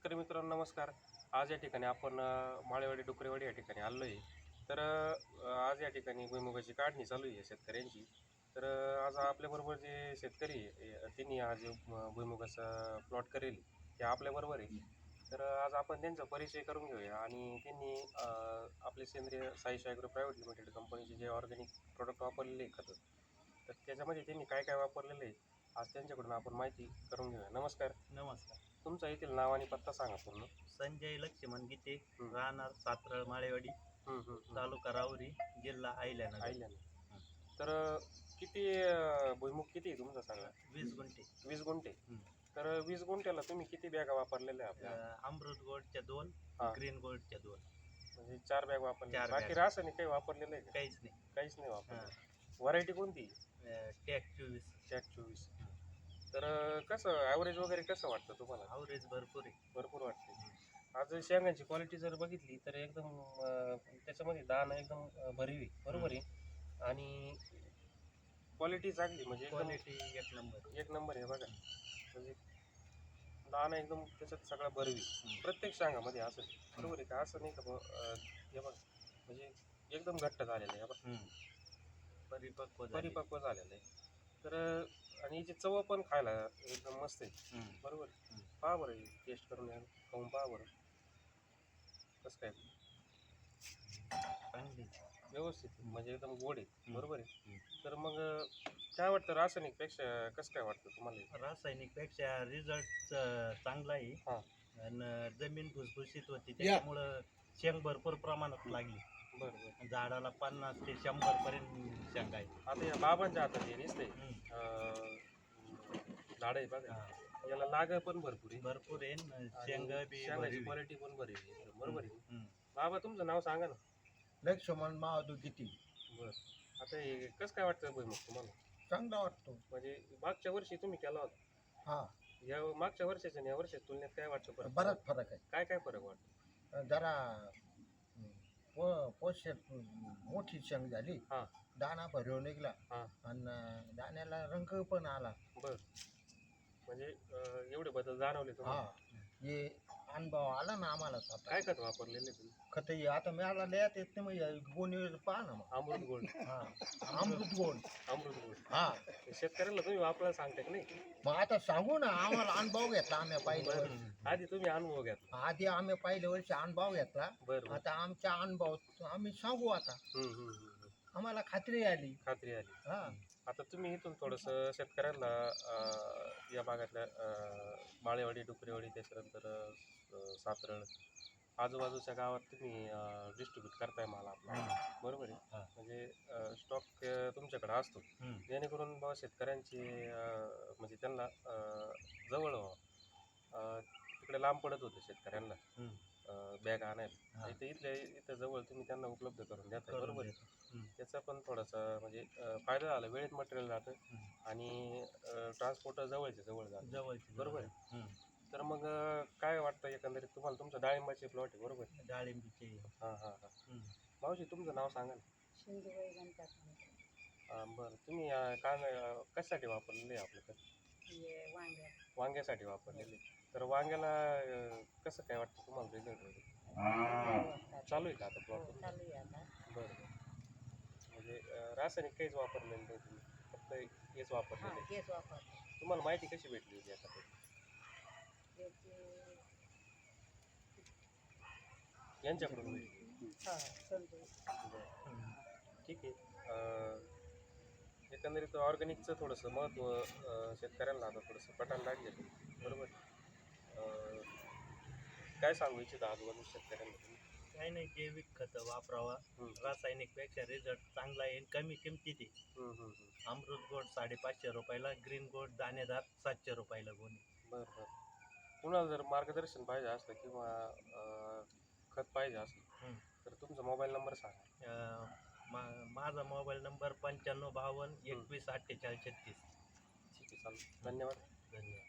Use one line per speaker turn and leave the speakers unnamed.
शेतकरी मित्रांनो नमस्कार. आज या ठिकाणी आपण माळेवाडी डुकरेवाडी या ठिकाणी आलो आहे. तर आज या ठिकाणी भुईमुगाची काढणी चालू आहे शेतकऱ्यांची. तर आज आपल्याबरोबर जे शेतकरी आहे त्यांनी आज भुईमुगाचा प्लॉट करेल ते आपल्याबरोबर आहे. तर आज आपण त्यांचा परिचय करून घेऊया आणि त्यांनी आपले सेंद्रिय साईश ॲग्रो प्रायव्हेट लिमिटेड कंपनीचे जे ऑर्गॅनिक प्रोडक्ट वापरलेले आहे खतं, तर त्याच्यामध्ये त्यांनी काय काय वापरलेलं आहे आज त्यांच्याकडून आपण माहिती करून घेऊया. नमस्कार.
नमस्कार.
तुमचा येथील नाव आणि पत्ता सांगा पूर्ण.
संजय लक्ष्मण गीते,
हं.
राहणार सातरळ माळेवाडी, तालुका राहुरी, जिल्हा अहिल्यानगर.
आयल्यानं. तर किती भुईमुग किती आहे तुमचा सांगा?
20 गुंठे.
20 गुंठे.
हं.
तर 20 गुंठ्याला तुम्ही किती बॅगा वापरलेल्या आहे आपल्या?
अमृत गोल्डच्या 2,
हां.
ग्रीन गोल्डच्या 2.
म्हणजे 4 बॅग वापरल्या.
4
बाकी
बॅग.
रासायनिक काही वापरलेलं आहे का?
काहीच नाही.
काहीच नाही
हां.
वापरलं. व्हरायटी कोणती?
टॅग 24.
चॅक 24. तर कसं ॲव्हरेज वगैरे कसं वाटतं तुम्हाला?
अवरेज भरपूर आहे.
भरपूर वाटते. आज शेंगांची क्वालिटी जर बघितली तर एकदम त्याच्यामध्ये दाणा एकदम भरीव आहे. बरोबर आहे. आणि क्वालिटी चांगली म्हणजे एकदम
क्वालिटी एक नंबर.
एक नंबर आहे बघा. म्हणजे दाणा एकदम त्याच्यात सगळा भरवी प्रत्येक शांगामध्ये असं बरोबर आहे का? असं नाही का हे बघ म्हणजे एकदम घट्ट झालेलं आहे बघ, परिपक्व झालेलं आहे. तर आणि याची चव पण खायला एकदम मस्त आहे. बरोबर आहे. पहा बरं टेस्ट करून या, खाऊन पहा बरं कसं काय.
चांगली.
व्यवस्थित आहे. म्हणजे एकदम गोड आहे. बरोबर आहे. तर मग काय वाटतं रासायनिकपेक्षा कसं काय वाटतं तुम्हाला?
रासायनिकपेक्षा रिझल्ट चांगला आहे.
हां.
आणि जमीन भुसभुशीत होती त्याच्यामुळं शेंग भरपूर प्रमाणात लागली.
बरं बरं.
झाडाला 50 ते 100 पर्यंत शेंगा आहे.
आता या बाबांच्या हातात हे दिसतंय झाड आहे बघा. याला लाग पण भरपूर आहे.
भरपूर आहे न शेंग बी
शेंगाची क्वालिटी पण बरी आहे. बरोबर आहे. बाबा तुमचं नाव सांगा ना.
लक्ष्मण महादू किती
बरं. आता हे कसं काय वाटतं भुईमुग तुम्हाला?
चांगला वाटतो.
म्हणजे मागच्या वर्षी तुम्ही केला होता.
हा,
या मागच्या वर्षाच्या आणि या वर्षाच्या तुलनेत काय वाटतं फरक?
बराच फरक
काय काय फरक वाटतो?
आहे. जरा पोषक मोठी शेंग झाली,
हां.
दाणा भरव निघला
हां.
आणि दाण्याला रंग पण आला.
बरं. म्हणजे एवढे बदल जाणवले
हा,
तुम्हाला?
हे अनुभव आला ना आम्हाला स्वतः.
काय खत वापरलेले तुम्ही?
खत आता मिळाला लयात येत नाही मग गोणीवर पहा ना मग.
अमृत गोल्ड.
हा, अमृत गोड.
अमृत गोल्ड.
हा,
शेतकऱ्याला तुम्ही वापरायला सांगता की नाही?
मग आता सांगू ना, आम्हाला अनुभव घेतला आम्ही पहिल्या
बरं.
वर्षी.
आधी तुम्ही अनुभव घ्या.
आधी आम्ही पहिल्या वर्षी अनुभव घेतला.
बरं.
आता आमच्या अनुभव आम्ही सांगू आता. आम्हाला खात्री आली.
खात्री आली.
हा,
आता तुम्ही इथून थोडंसं शेतकऱ्यांना या भागातल्या माळेवाडी डुकरेवाडी त्याच्यानंतर सातरळ आजूबाजूच्या गावात तुम्ही डिस्ट्रीब्यूट करताय माल आपला. बरोबर आहे. म्हणजे स्टॉक तुमच्याकडे असतो जेणेकरून बाबा शेतकऱ्यांची म्हणजे त्यांना जवळ व्हावं. तिकडे लांब पडत होतं शेतकऱ्यांना बॅग आणायला. इथं जवळ तुम्ही त्यांना उपलब्ध करून देताय. बरोबर आहे. त्याचा पण थोडासा म्हणजे फायदा झाला. वेळेत मटेरियल जातं आणि ट्रान्सपोर्ट जवळच्या जवळ जातं. बरोबर आहे. तर मग काय वाटतं एकंदरीत तुम्हाला? तुमचं डाळिंबाचे प्लॉट आहे बरोबर?
डाळिंबीचे.
हां हां हां. मावशी तुमचं नाव सांगा ना.
सिंधुबाई गणपत.
बरं. तुम्ही कशासाठी वापरलेले आहे आपलं खत? वांग्यासाठी वापरलेले. तर वांग्याला कसं काय वाटतं तुम्हाला रिझल्ट वगैरे? चालू आहे का आता प्लॉट?
चालू आहे आता.
बरं. म्हणजे रासायनिक काहीच वापरलेलं नाही तुम्ही, फक्त हेच वापरलेलं आहे.
हेच वापरतो.
तुम्हाला माहिती कशी भेटली होती आता? यांच्याकडून भेटली. बरं. ठीक आहे. एकंदरीत ऑर्गॅनिकचं थोडंसं महत्त्व शेतकऱ्यांना आता थोडंसं पटायला लागलेलं आहे. बरोबर. काय सांगू इच्छिता आजूबाजू शेतकऱ्यांना तुम्ही?
काही नाही, जैविक खतं वापरावा. रासायनिकपेक्षा रिझल्ट चांगला आहे. कमी किमतीत आहे. अमृत गोड 550 रुपयाला, ग्रीन गोड दाणेदार 700 रुपयाला गोणी.
बरं बरं. कुणाला जर मार्गदर्शन पाहिजे असलं किंवा खत पाहिजे असलं तर तुमचा मोबाईल नंबर सांगा.
माझा मोबाईल नंबर 9552 21 48 36.
ठीक आहे, चालेल. धन्यवाद.
धन्यवाद.